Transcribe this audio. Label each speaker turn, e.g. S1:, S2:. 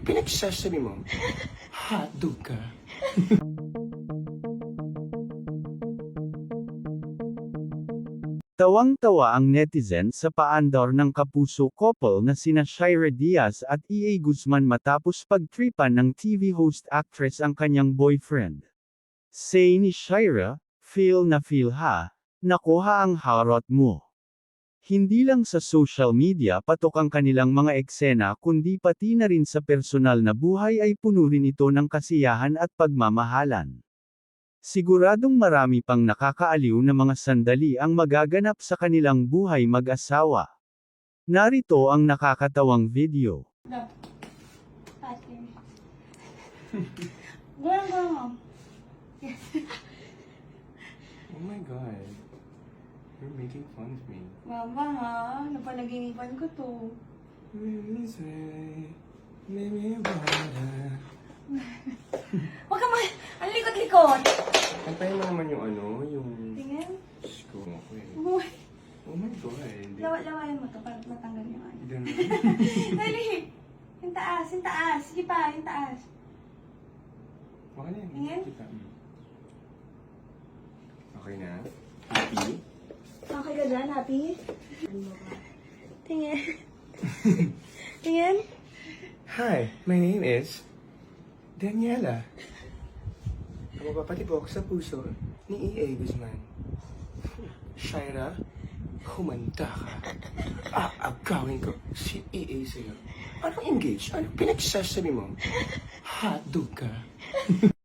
S1: pinagsasabi mo? Hotdog ka?
S2: Tawang-tawa ang netizen sa paandar ng kapuso couple na sina Shira Diaz at EA Guzman matapos pagtripan ng TV host actress ang kanyang boyfriend. Say ni Shira, "Feel na feel ha, nakuha ang harot mo." Hindi lang sa social media patok ang kanilang mga eksena kundi pati na rin sa personal na buhay ay puno rin ito ng kasiyahan at pagmamahalan. Siguradong marami pang nakakaaliw na mga sandali ang magaganap sa kanilang buhay mag-asawa. Narito ang nakakatawang video.
S1: Oh my God. You're making fun of me.
S3: Mama ha, napanaginipan ko to. Huwag ka ang likot-likot.
S1: Antayin mo naman yung yung...
S3: Tingnan.
S1: Screw ako eh.
S3: Uy,
S1: Oh my God.
S3: lawayan mo to para matanggal yung ano.
S1: Ganun.
S3: Dali. Yung taas, yung taas. Sige pa, yung taas.
S1: Baka na yan.
S3: Tingin?
S1: Kita. Okay na? Happy?
S3: Okay ka dyan, happy? Tingin. Tingin.
S1: Hi, my name is Daniela. Ang mapapatibok sa puso ni EA Guzman. Shira, humanda ka. Aagawin ko si EA sa'yo. Anong engage? Anong pinagsasabi mo? Hotdog ka?